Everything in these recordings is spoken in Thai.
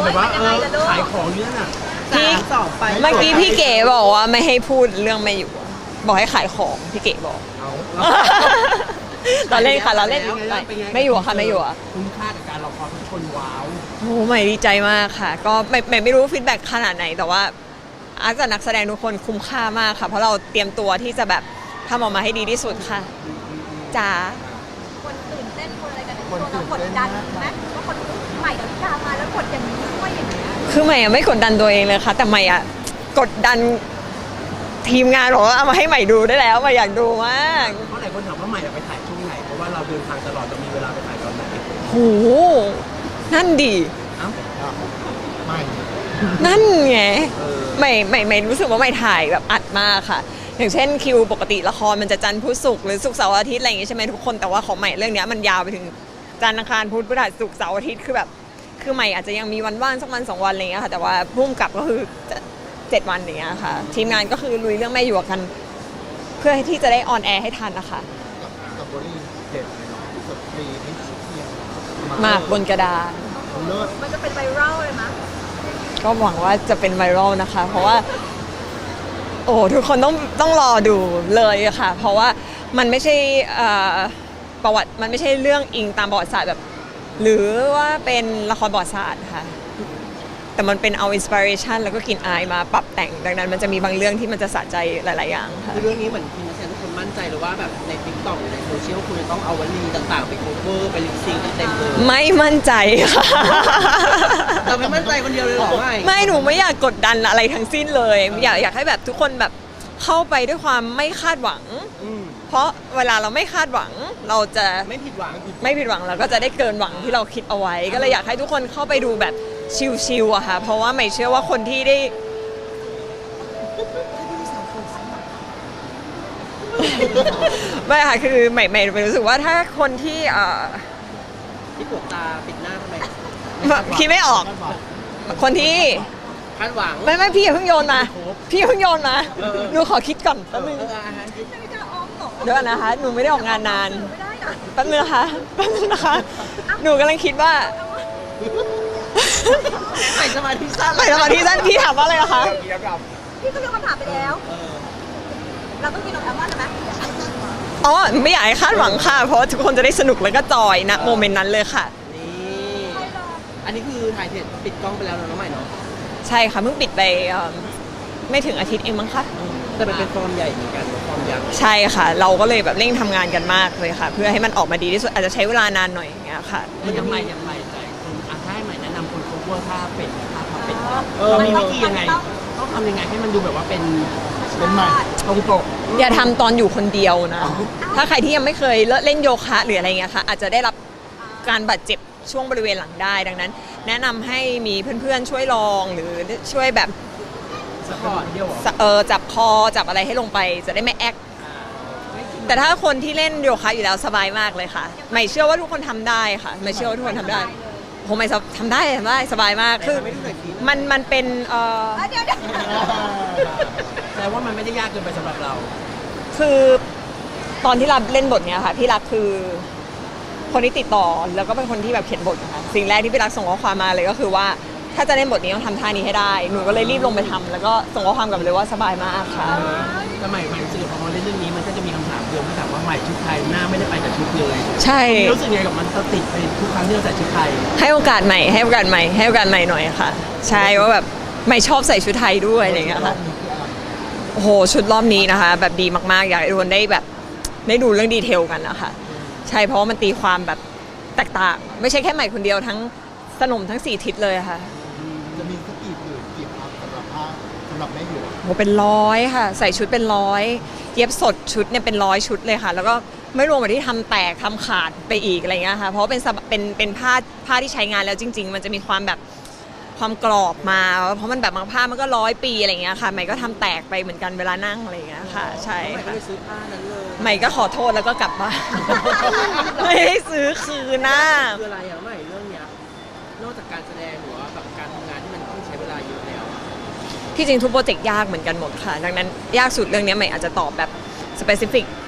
แบบว่าขายของเนี้ยน่ะพี่เมื่อกี้พี่เก๋บอกว่าไม่ให้พูดเรื่องไม่อยู่บอกให้ขายของพี่เก๋บอกเอาเราเล่นค่ะเราเล่นไม่อยู่ค่ะไม่อยู่อ่ะคุ้มค่ากับการรอคอยทุกคนว้าวโอ้ใหม่ดีใจมากค่ะ ก็ไม่รู้ฟีดแบ็กขนาดไหนแต่ว่าอาจจะนักแสดงทุกคนคุ้มค่ามากค่ะเพราะเราเตรียมตัวที่จะแบบทำออกมาให้ดีที่สุดค่ะจ๋าคนตื่นเต้นคนอะไรกันคนเรากดดันไหมว่าคนใหม่ดาวิกามาแล้วกดอย่างนี้ด้วยอย่างเงี้ยคือใหม่อะไม่กดดันตัวเองเลยค่ะแต่ใหม่อะกดดันทีมงานบอกว่าเอามาให้ใหม่ดูได้แล้วใหม่อยากดูมากเพราะหลายคนถามว่าใหม่ไปถ่ายช่วงไหนเพราะว่าเราเดินทางตลอดเรามีเวลาไปถ่ายตอนไหนโหนั่นดีเอ้าไม่นั่นไงไม่รู้สึกว่าไม่ถ่ายแบบอัดมากค่ะ อย่างเช่นคิวปกติละครมันจะจันทร์พุธศุกร์หรือศุกร์เสาร์อาทิตย์อะไรอย่างงี้ใช่ไหมทุกคนแต่ว่าของใหม่เรื่องเนี้ยมันยาวไปถึงจันทร์อังคารพุธพฤหัสศุกร์เสาร์อาทิตย์คือแบบคือใหม่อาจจะยังมีวันว่างสักวัน2 วันอะไรเงี้ยค่ะแต่ว่าพุ่มกับก็คือ7 วันอย่างเงี้ยค่ะทีมงานก็คือลุยเรื่องแม่หยวกกัน เพื่อที่จะได้ออนแอร์ให้ทันนะคะกับโบลี่เด็ดเลยเนาะสตรีนี่เที่ยงหมากบนกระดานเลิศมันจะเป็นไวรัลเลยมั้ยก็หวังว่าจะเป็นไวรัลนะคะ เพราะว่า โอ้ทุกคนต้องรอดูเลยอะค่ะ เพราะว่ามันไม่ใช่ประวัติมันไม่ใช่เรื่องอิงตามประวัติศาสตร์แบบ หรือว่าเป็นละครประวัติศาสตร์ค่ะ แต่มันเป็นเอาอินสปิเรชันแล้วก็กลิ่นอายมาปรับแต่งดังนั้น มันจะมีบางเรื่องที่มันจะสะใจหลาย ๆ อย่างค่ะคือเรื่องนี้เหมือนทีมนักแสดงทุกคนมั่นใจหรือว่าแบบในติ๊กต็อกในโซเชียลคุณจะต้องเอาวลีต่างๆไปโคเวอร์ไปลิปซิงกันเต็มเลยไม่มั่นใจค่ะเราไม่มั่นใจคนเดียวเลยเหรอไม่หนูไม่อยากกดดันอะไรทั้งสิ้นเลย อยากให้แบบทุกคนแบบเข้าไปด้วยความไม่คาดหวัง เพราะเวลาเราไม่คาดหวังเราจะไม่ผิดหวังไม่ผิดหวังเราก็จะได้เกินหวังที่เราคิดเอาไว้ ก็เลยอยากให้ทุกคนเข้าไปดูแบบชิลๆอะค่ะ เพราะว่าไม่เชื่อว่าคนที่ได้ ไม่ค่ะคือไม่รู้สึกว่าถ้าคนที่ที่ปวดตาปิดหน้าทำไมคิดไม่ออก คนที่คาดหวังไม่พี่อย่าเพิ่งโยนมาพี่อย่าเพิ่งโยนมาหนูขอคิดก่อนแป๊บนึงอาหารที่ดาวิกาอ้อมเหรอเดี๋ยวก่อนนะคะหนูไม่ได้ออกงานนานไม่ได้นะแป๊บนึงนะคะหนูกำลังคิดว่าใส่สมาธิสั้นไปสมาธิสั้นพี่ถามว่าอะไรนะคะพี่ก็เลือกคำถามไปแล้ว เราต้องมีน้องแอมว่าใช่ไหมอ๋อไม่อยากให้คาดหวังค่ะ เพราะว่าทุกคนจะได้สนุกแล้วก็จอยนะโมเมนต์นั้นเลยค่ะนี่อันนี้คือถ่ายเสร็จปิดกล้องไปแล้วเนาะน้องใหม่เนาะใช่ค่ะเพิ่งปิดไปไม่ถึงอาทิตย์เองมั้งคะแต่มันเป็นฟอร์มใหญ่เหมือนกันฟอร์มยักษ์ใช่ค่ะ เราก็เลยแบบเร่งทำงานกันมากเลยค่ะ เพื่อให้มันออกมาดีที่สุดอาจจะใช้เวลานานหน่อยอย่างเงี้ยค่ะมันยังไงใจคนถ้าให้ใหม่แนะนำคนเขาว่าถ้าเป็ดถ้าทำเป็ดเรามีวิธียังไงต้องทำยังไงให้มันดูแบบว่าเป็นใหม่ตรงปกอย่าทำตอนอยู่คนเดียวนะ ถ้าใครที่ยังไม่เคยเล่นโยคะหรืออะไรเงี้ยค่ะอาจจะได้รับการบาดเจ็บช่วงบริเวณหลังได้ ดังนั้น แนะนำให้มีเพื่อนๆช่วยลองหรือช่วยแบบสปอร์ตเดียวเหรอจับคอจับอะไรให้ลงไปจะได้ไม่แอคแต่ถ้าคนที่เล่นโยคะอยู่แล้วสบายมากเลยค่ะไม่เชื่อว่าทุกคนทำได้ค่ะไม่เชื่อว่าทุกคนทำได้ผมไม่ทำได้สบายมากคือมันเป็นเดี๋ยวแต่ว่ามันไม่ได้ยากเกินไปสำหรับเราคือตอนที่รับเล่นบทเนี้ยค่ะพี่รักคือคนที่ติดต่อแล้วก็เป็นคนที่แบบเขียนบทนะคะสิ่งแรกที่พี่รักส่งข้อความมาเลยก็คือว่าถ้าจะเล่นบทนี้ต้องทำท่านี้ให้ได้หนูก็เลยรีบลงไปทำแล้วก็ส่งข้อความกลับไปเลยว่าสบายมากค่ะแต่ใหม่รู้สึกพอมาเล่นเรื่องนี้มันก็จะมีคำถามเดิมที่ถามว่าใหม่ชุดไทยหน้าไม่ได้ไปกับชุดเลยใช่รู้สึกไงกับมันติดไปทุกครั้งที่เราใส่ชุดไทยให้โอกาสใหม่ให้โอกาสใหม่ให้โอกาสใหม่หน่อยค่ะ ใช่ว่าแบบไม่ชอบใส่ชุดไทยด้วยอะไรอย่างเงี้ยค่ะโอ้โหชุดรอบนี้นะคะ แบบดีมากๆอยากให้ทุกคนได้แบบได้ดูเรื่องดีเทลกันนะคะใช่เพราะว่ามันตีความแบบแตกต่างไม่ใช่แค่ใหม่คนเดียวทั้งสนมทั้ง4ทิศเลยค่ะจะมีสักกี่ผืนกี่พับสำหรับผ้าสำหรับแม่หยวกโหเป็นร้อยค่ะใส่ชุดเป็นร้อยเย็บสดชุดเนี่ยเป็นร้อยชุดเลยค่ะ แล้วก็ไม่รวมกับที่ทำแตกทำขาดไปอีกอะไรเงี้ยค่ะเพราะว่าเป็นผ้าที่ใช้งานแล้วจริง ๆ มันจะมีความแบบความกรอบมาเพราะมันแบบบางผ้ามันก็100 ปีอะไรเงี้ยค่ะใหม่ก็ทำแตกไปเหมือนกันเวลานั่งอะไรเงี้ยค่ะใช่ใหม่ก็ค่ะเลยซื้อผ้านั้นเลยใหม่ก็ขอโทษแล้วก็กลับบ้าน ไม่ได้ซื้อคืนนะคืออะไรอะใหม่เรื่องเนี้ยนอกจากการแสดงหรือว่าแบบการทำงานที่มันต้องใช้เวลาเยอะแล้วอะที่จริงทุกโปรเจกต์ยากเหมือนกันหมดค่ะ ดังนั้นยากสุดเรื่องนี้ใหม่อาจจะตอบแบบสเปซิฟิก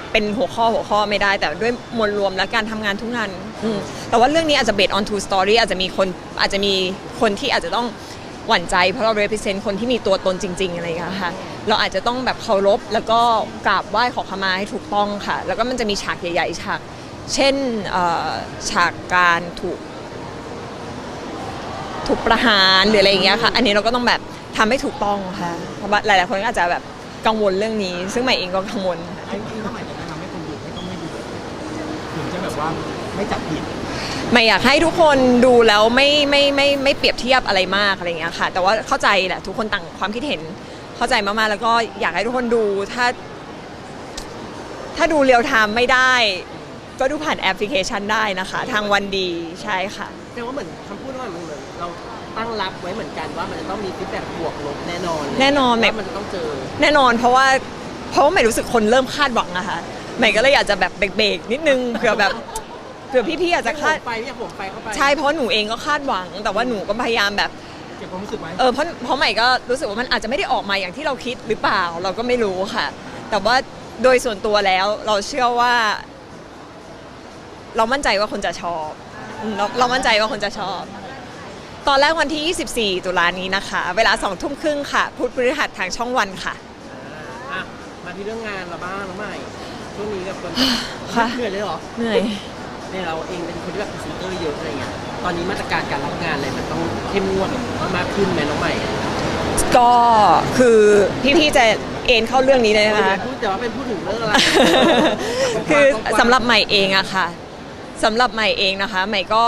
เป็นหัวข้อไม่ได้แต่ด้วยมวลรวมและการทำงานทุกงานแต่ว่าเรื่องนี้อาจจะ based on true story อาจจะมีคนที่อาจจะต้องหวั่นใจเพราะเรา represent คนที่มีตัวตนจริงๆอะไรอย่างเงี้ยค่ะเราอาจจะต้องแบบเคารพแล้วก็กราบไหว้ขอขมาให้ถูกต้องค่ะแล้วก็มันจะมีฉากใหญ่ๆฉากเช่นฉากการถูกประหารหรืออะไรอย่างเงี้ยค่ะอันนี้เราก็ต้องแบบทำให้ถูกต้องค่ะเพราะว่าหลายๆคนก็อาจจะแบบกังวลเรื่องนี้ซึ่งใหม่เองก็กังวลจริงๆถ้าใหม่จะแนะนำให้คนดูไม่ต้องไม่ดูถึงจะแบบว่าไม่จับผิดไม่อยากให้ทุกคนดูแล้วไม่เปรียบเทียบอะไรมากอะไรอย่างเงี้ยค่ะแต่ว่าเข้าใจแหละทุกคนต่างความคิดเห็นเข้าใจมากๆแล้วก็อยากให้ทุกคนดูถ้าดูเรียลไทม์ไม่ได้ก็ดูผ่านแอปพลิเคชันได้นะคะทางวันดีใช่ค่ะแปลว่าเหมือนคำพูดว่ามันเหมือนเราตั้งรับไว้เหมือนกันว่ามันจะต้องมีฟีดแบ็กบวกลบแน่นอนแน่นอนว่ามันจะต้องเจอแน่นอนเพราะว่าใหม่รู้สึกคนเริ่มคาดหวังอะค่ะใหม่ก็เลยอยากจะแบบเบรกๆนิดนึงเผื่อพี่ๆอาจจะคาดไปไม่อยากผมไปเข้าไปใช่เพราะหนูเองก็คาดหวังแต่ว่าหนูก็พยายามแบบเก็บความรู้สึกไว้เพราะใหม่ก็รู้สึกว่ามันอาจจะไม่ได้ออกมาอย่างที่เราคิดหรือเปล่าเราก็ไม่รู้ค่ะ แต่ว่าโดยส่วนตัวแล้วเราเชื่อว่า เรามั่นใจว่าคนจะชอบเรามั่นใจว่าคนจะชอบ ตอนแรกวันที่ 24 ตุลานี้นะคะ เวลา 2 ทุ่มครึ่งค่ะพุธพฤหัสทางช่องวันค่ะอ่ะมาที่เรื่องงานเราบ้างน้องใหม่ช่วงนี้กับคนค่ะเหนื่อยเลยเหรอเหนื่อยเนี่ยเราเองเป็นคนที่แบบพรีเซนเตอร์เยอะอะไรเงี้ยตอนนี้มาตรการการรับงานอะไรมันต้องเข้มงวดมากขึ้นไหมน้องใหม่ก็คือพี่ๆจะเอ็นเข้าเรื่องนี้เลยนะคะพูดแต่ว่าเป็นพูดถึงเรื่องอะไรคือสำหรับใหม่เองอะค่ะสำหรับใหม่เองนะคะใหม่ก็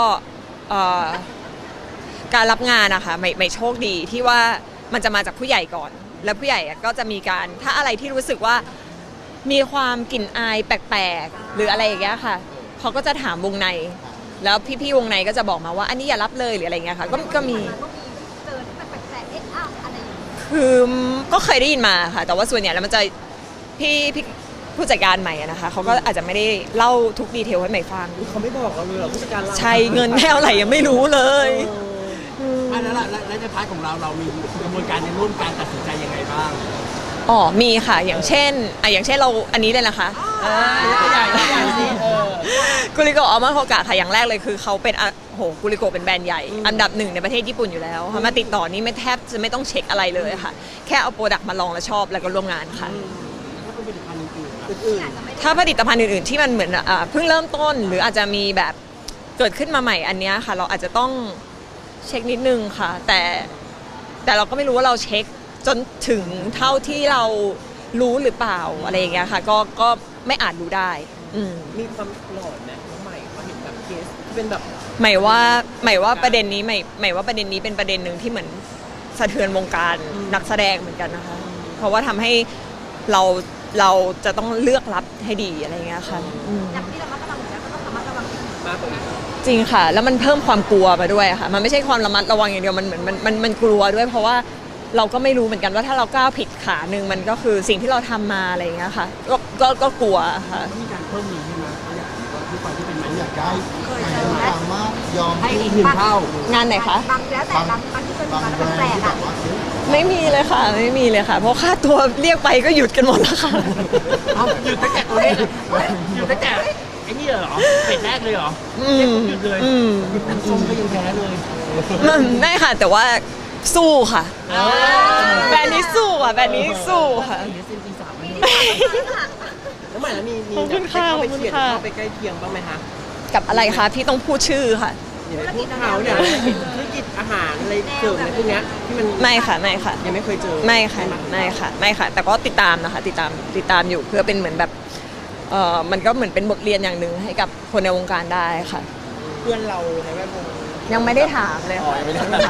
การรับงานนะคะใหม่โชคดีที่ว่ามันจะมาจากผู้ใหญ่ก่อน แล้วผู้ใหญ่ก็จะมีการถ้าอะไรที่รู้สึกว่ามีความกลิ่นอายแปลกๆหรืออะไรอย่างเงี้ยค่ะเขาก็จะถามวงใน แล้วพี่ๆวงในก็จะบอกมาว่าอันนี้อย่ารับเลยหรืออะไรเงี้ยค่ะก็มีเจอที่มันแปลกๆเอ๊ะอ้าวอะไรอย่างเงี้ยคือก็เคยได้ยินมาค่ะ แต่ว่าส่วนใหญ่แล้วมันจะพี่ผู้จัดการใหม่อะนะคะเขาก็อาจจะไม่ได้เล่าทุกดีเทลให้ใหม่ฟังเขาไม่บอกเราเลยเหรอผู้จัดการเราใช่เงินเท่าไหร่ยังไม่รู้เลยอันนั้นแล้วในพาร์ทของเรามีกระบวนการในร่วมการตัดสินใจยังไงบ้างอ๋อมีค่ะอย่างเช่นเราอันนี้เลยนะคะใหญ่สิกุลิโกอัลมอนด์โฮกะค่ะอย่างแรกเลยคือเขาเป็นกุลิโกเป็นแบรนด์ใหญ่อันดับ 1ในประเทศญี่ปุ่นอยู่แล้วค่ะมาติดต่อนี่ไม่แทบจะไม่ต้องเช็คอะไรเลยค่ะแค่เอาโปรดักต์มาลองแล้วชอบแล้วก็ร่วมงานค่ะถ้าเป็นผลิตภัณฑ์อื่นๆอะอื่นถ้าผลิตภัณฑ์อื่นๆที่มันเหมือนเพิ่งเริ่มต้นหรืออาจจะมีแบบเกิดขึ้นมาใหม่อันเนี้ยค่ะเราอาจจะต้องเช็คนิดนึงค่ะแต่เราก็ไม่รู้ว่าเราเช็คจนถึงเท่าที่เรารู้หรือเปล่าอะไรอย่างเงี้ยค่ะก็ไม่อาจรู้ได้ๆมีความหลอนนะน้องใหม่เขาเห็นแบบเคสที่เป็นแบบหมายว่าประเด็นนี้หมายว่าประเด็นนี้เป็นประเด็นหนึ่งที่เหมือนสะเทือนวงการนักแสดงเหมือนกันนะคะเพราะว่าทำให้เราจะต้องเลือกรับให้ดีอะไรอย่างเงี้ยค่ะจากที่เราระมัดระวังอยู่แล้วก็ต้องระมัดระวังอีกมากกว่าอีกจริงค่ะ แล้วมันเพิ่มความกลัวมาด้วยค่ะมันไม่ใช่ความระมัดระวังอย่างเดียวมันเหมือนมันกลัวด้วยเพราะว่าเราก็ไม่รู้เหมือนกันว่าถ้าเราก้าวผิดขาหนึ่งมันก็คือสิ่งที่เราทำมาอะไรอย่างเงี้ยค่ะก็กลัวค่ะต้องมีการเพิ่มนี้ใช่ไหมเขาอยากรู้ว่าทุกคนที่เป็นมันอยาก กอายได้เคยใครเจอไหมสามารถยอมให้อีกหนึ่งเท่างานไหนคะบางแล้วแต่บางที่เป็นบางบางแบรนด์แปลกที่แบอ่ะบว่าเฮ้ยไม่มีเลยค่ะไม่มีเลยค่ะ เพราะค่าตัวเรียกไปก็หยุดกันหมดแล้วค่ะเอาหยุดตั้งแต่ตัวนี้หยุดตั้งแต่ไอ้นี่เหรอเป็ดแรกเลยเหรอหยุดเลยน้ำส้มก็ยังแพ้เลยไม่ค่ะแต่ว่าสู้ค่ะแบรนด์นี้สู้อ่ะแบรนด์นี้สู้ค่ะเดี๋ยวเซ็นตีสามไม่น้องใหม่แล้วมีขอบคุณค่ะเข้าไปขอบคุณเฉียดค่ะเข้าไปใกล้เคียงบ้างไหมคะกับอะไรคะพี่ต้องพูดชื่อค่ะอย่าไปพูดเขาเนี่ยธุรกิจอาหารอะไรเสริมอะไรพวกเนี้ยที่มันไม่ค่ะไม่ค่ะยังไม่เคยเจอไม่ค่ะไม่ค่ะไม่ค่ะ แต่ก็ติดตามนะคะติดตามอยู่เพื่อเป็นเหมือนแบบมันก็เหมือนเป็นบทเรียนอย่างหนึ่งให้กับคนในวงการได้ค่ะเพื่อนเราในแวดวงยังไม่ได้ถามเลยค่ะ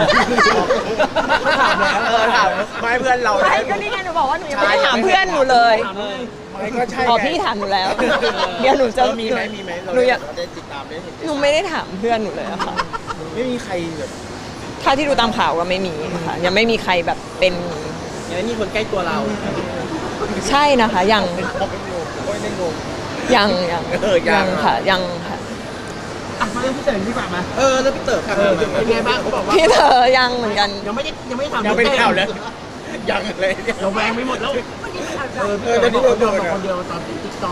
ถามแล้วถามไม่เพื่อนเราใช่ก็นี่ไงหนูบอกว่าหนูยังไม่ได้ถามเพื่อนหนูเลยไม่ก็ใช่อ๋อพี่ถามหนูแล้ว เดี๋ยวหนูจะมีไหมเราหนูอยากได้ติดตามได้เห็นหนูไม่ได้ถามเพื่อนหนูเลยอะค่ะไม่มีใครแบบถ้าที่ดูตามข่าวก็ไม่มีค่ะยังไม่มีใครแบบเป็นยังไม่มีคนใกล้ตัวเราใช่นะคะยังเขาเป็นงงโอ้ยได้งงยังยังค่ะยังค่ะอ่ะมาเรื่องพี่เต๋อดีกว่ามาแล้วพี่เต๋อค่ะเป็นไงบ้างเขาบอกว่าพี่เธอยังเหมือนกันยังไม่ได้ทำยังไม่ได้ข่าวเลยยังเลยเนี่ยเราแวงไม่หมดแล้ววันนี้มันเอาใจเดี๋ยวนี้เราเราโดโดนนคนเดียวตอนติ๊กต็อกเอ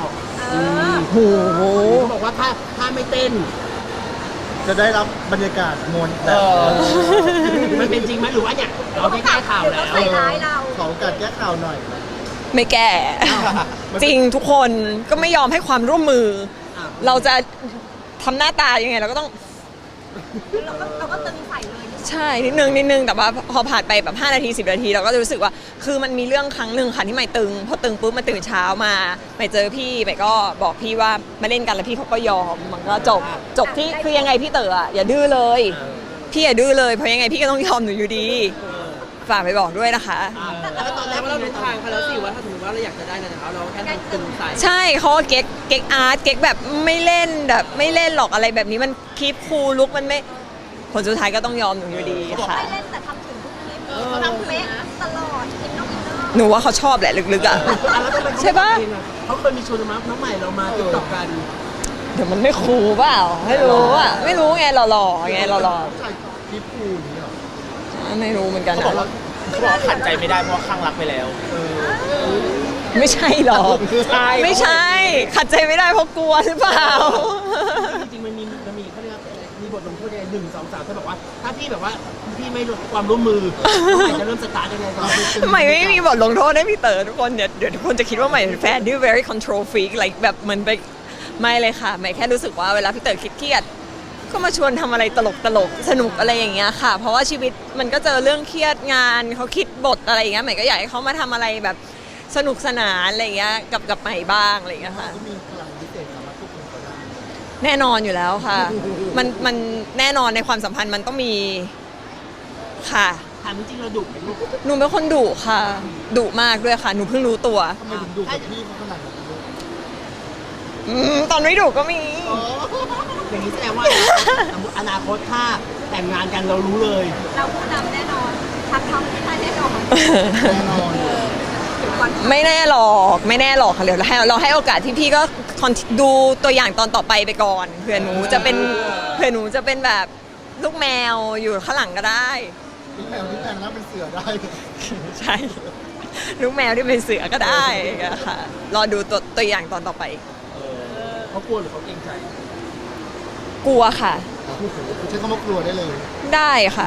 โอ้โหเขาบอกว่าถ้าไม่เต้นจะได้รับบรรยากาศมวลแบบมันเป็นจริงไหมหรือว่าเนี่ยเราได้แก้ข่าวแล้วใส่ร้ายเราขอโอกาสแก้ข่าวหน่อยไม่แก้ จริงทุกคนก็ไม่ยอมให้ความร่วมมือ เราจะทำหน้าตายังไงเราก็ต้องเราก็ตึงใส่เลยใช่นิดนึงแต่ว่าพอผ่านไปแบบ5นาที10นาทีเราก็จะรู้สึกว่าคือมันมีเรื่องครั้งหนึ่งค่ะที่ใหม่ตึงพอตึงปุ๊บมาตื่นเช้ามาใหม่เจอพี่ใหม่ก็บอกพี่ว่ามาเล่นกันแล้วพี่เขาก็ยอมมันก็จบที่คือยังไงพี่เต๋ออะอย่าดื้อเลยพี่อย่าดื้อเลยเพราะยังไงพี่ก็ต้องยอมหนูอยู่ดีฝากไปบอกด้วยนะคะแล้วตอนแรกว่าเรารู้ทางเขาแล้วสิว่าถ้าสมมติว่าเราอยากจะได้อะไรจากเขาเราแค่ทำตึงใส่ใช่เขาก็เก๊กอาร์ตเก๊กแบบไม่เล่นแบบไม่เล่นหรอกอะไรแบบนี้มันคลิปคูลลุกมันไม่ผลสุดท้ายก็ต้องยอมหนูอยู่ดีค่ะไม่เล่นแต่ทำถึงทุกคลิปเขาทำเป๊ะตลอดอินน้องอินเนอร์หนูว่าเขาชอบแหละลึกๆอ่ะแล้วทำไมใช่ปะเขาเคยมีชวนมาน้องใหม่เรามาติ๊กต็อกกันเดี๋ยวมันไม่คูลเปล่าไม่รู้อ่ะไม่รู้ไงหล่อๆไงหล่อถ่ายคลิปคูอย่างนี้เหรอๆไม่รู้เหมือนกันเขาบอกว่านะเขาบอกว่าขัดใจไม่ได้เพราะว่าข้างรักไปแล้วไม่ใช่หรอกไม่ใช่ขัดใจไม่ได้เพราะกลัวหรือเปล่าจริงๆมันมีเขาเรียกว่ามีบทลงโทษยังไง1 2 3ถ้าบอกว่าถ้าพี่แบบว่าพี่ไม่ลดความร่วมมือน้องใหม่จะเริ่มสตาร์ทยังไงก่อนใหม่ไม่มีบทลงโทษให้พี่เต๋อทุกคนเดี๋ยวทุกคนจะคิดว่าใหม่เป็นแฟนที่ very control freak like แบบเหมือนไปไม่เลยค่ะใหม่แค่รู้สึกว่าเวลาพี่เต๋อเครียดก็มาชวนทำอะไรตลกสนุกอะไรอย่างเงี้ยค่ะ เพราะว่าชีวิตมันก็เจอเรื่องเครียดงานเขาคิดบทอะไรอย่างเงี้ยใหม่ก็อยากให้เขามาทำอะไรแบบสนุกสนานอะไรอย่างเงี้ยกับใหม่บ้างอะไรอย่างเงี้ยค่ะก็มีพลังพิเศษสามารถควบคุมเขาได้แน่นอนอยู่แล้วค่ะ มันแน่นอนในความสัมพันธ์มันต้องมีค่ะถามจริงๆเราดุไหมลูกหนูเป็นคนดุค่ะดุมากด้วยค่ะหนูเพิ่งรู้ตัวทำไมถึงดูกับพี่เขาขนาดนั้นด้วยตอนไม่ดุก็มีอย่างนี้แสดงว่าอนาคตถ้าแต่งงานกันเรารู้เลยเราผู้นำแน่นอนทำไม่ได้แน่นอนแน่นอนไม่แน่หรอกไม่แน่หรอกค่ะเดี๋ยวเราให้โอกาสที่พี่ก็ดูตัวอย่างตอนต่อไปไปก่อนเผื่อหนูจะเป็นแบบลูกแมวอยู่ข้างหลังก็ได้พี่แมวแล้วเป็นเสือได้ใช่ลูกแมวที่เป็นเสือก็ได้ค่ะรอดูตัวอย่างตอนต่อไปเขากลัวหรือเขาเกรงใจกลัวค่ะใช้คำว่ากลัวได้เลยได้ค่ะ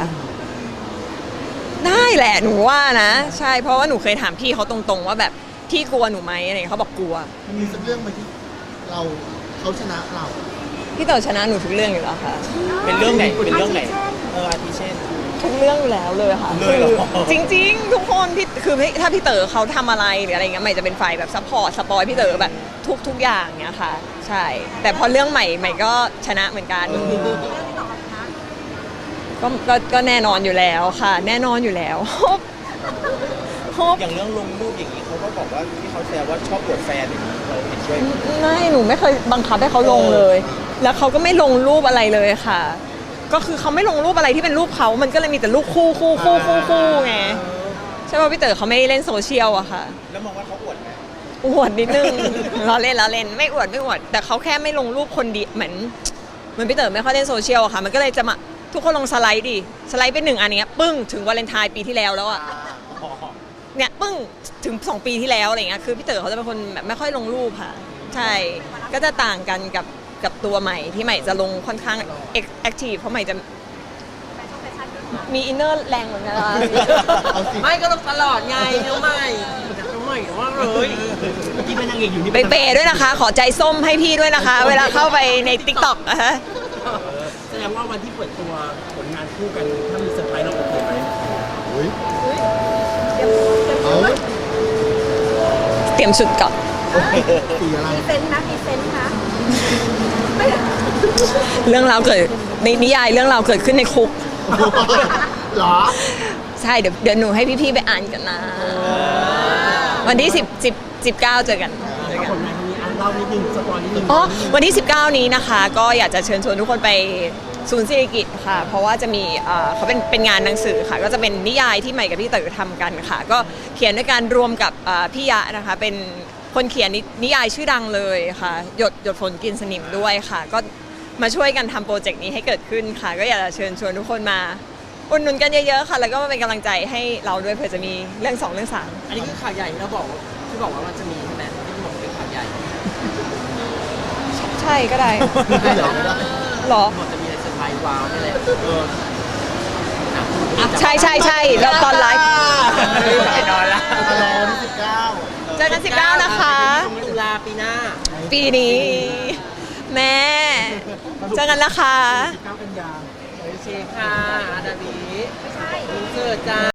ได้แหละหนูว่านะ ใช่เพราะว่าหนูเคยถามพี่เขาตรงๆว่าแบบพี่กลัวหนูไหมอะไรอย่างเงี้ยเขาบอกกลัวมันมีสักเรื่องไหมที่เขาชนะเราพี่เต๋อชนะหนูทุกเรื่องอยู่แล้วค่ะเป็นเรื่องไหน เป็นเรื่องไหน อาทิเช่นทุกเรื่องอยู่แล้วเลยค่ะเลยเหรอคือจริง ๆ ทุกคนพี่คือถ้าพี่เต๋อเขาทำอะไรหรืออะไรเงี้ยใหม่จะเป็นฝ่ายแบบซัพพอร์ตสปอยพี่เต๋อแบบทุกอย่างเงี้ยค่ะ ใช่ แต่พอเรื่องใหม่ก็ชนะเหมือนกันเรื่องที่ต่อมานะก็แน่นอนอยู่แล้วค่ะ แน่นอนอยู่แล้ว ฮบอย่างเรื่องลงรูปอย่างนี้เขาก็บอกว่าที่เขาแซวว่าชอบปวดแฟนอย่างนี้เราเห็นด้วยไหมไม่หนูไม่เคยบังคับให้เขาลงเลย แล้วเขาก็ไม่ลงรูปอะไรเลยค่ะ ก็คือเขาไม่ลงรูปอะไรที่เป็นรูปเขามันก็เลยมีแต่รูปคู่ไงใช่ป่ะพี่เต๋อเขาไม่เล่นโซเชียลอะค่ะแล้วมองว่าเขาอวดไหมอวดนิดนึง เราเล่นไม่อวดแต่เขาแค่ไม่ลงรูปคนเดียวเหมือนพี่เต๋อไม่ค่อยเล่นโซเชียลอะค่ะ มันก็เลยจะมาทุกคนลงสไลด์ดิสไลด์เป็น1อันเนี้ยปึ้งถึงวาเลนไทน์ปีที่แล้วอะเนี่ยปึ้งถึง2 ปีที่แล้วอะไรเงี้ยคือพี่เต๋อเขาจะเป็นคนแบบไม่ค่อยลงรูปค่ะ ใช่ก็จะต่างกันกับตัวใหม่ที่ใหม่จะลงค่อนข้างแอคทีฟเพราะใหม่จะมีอินเนอร์แรงเหมือนกันนะคะเอาสิไม่ก็ต้องตลอดไงน้องใหม่ว่าเลยที่เป็นนางเอกอยู่นี่ไปเปย์ด้วยนะคะ ขอใจส้มให้พี่ด้วยนะคะ เวลาเข้าไปใน TikTok นะคะแสดงว่าวันที่เปิดตัวผลงานคู่กันถ้ามีเซอร์ไพรส์เราโอเคไหมอุ๊ยเอาเตรียมชุดก่อนสีอะไรมีเซนต์นะมีเซนต์นะเรื่องราวเกิดในนิยายเรื่องราวเกิดขึ้นในคุกเหรอใช่เดี๋ยวหนูให้พี่ๆไปอ่านกันนะ วันที่19เจอกันเอาผลงานครั้งนี้เล่านิดนึงสปอยนิดนึงอ๋อวันที่ 19 นี้นะคะ ก็อยากจะเชิญชวนทุกคนไปศูนย์ศิริกิติ์ค่ะ เพราะว่าจะมีเขาเป็นงานหนังสือค่ะ ก็จะเป็นนิยายที่ใหม่กับพี่เต๋อทำกันค่ะ ก็เขียนด้วยการรวมกับพี่ยะนะคะ เป็นคนเขียนนิยายชื่อดังเลยค่ะหยดฝนกินสนิมด้วยค่ะ ก็มาช่วยกันทำโปรเจกต์นี้ให้เกิดขึ้นค่ะ ก็อยากจะเชิญชวนทุกคนมาอุดหนุนกันเยอะๆค่ะ แล้วก็มาเป็นกำลังใจให้เราด้วยเผื่อจะมีเรื่อง2เรื่อง3 อันนี้คือข่าวใหญ่ที่เราบอกที่บอกว่ามันจะมีใช่ไหมที่บอกเป็นข่าวใหญ่ใช่ก็ได้ไม่เหรอหรอหมดจะมีอะไรเซอร์ไพรส์ว้าวนี่แหละใช่ใช่ใช่แล้วตอนไลฟ์ไปนอนละรอวันที่19 เจอกัน19นะคะตุลาปีหน้าปีนี้ แม่เจอกันนะคะ 19 กันยาโอเคค่ะอาดาบีไม่ใช่อินเสิร์ตจ้า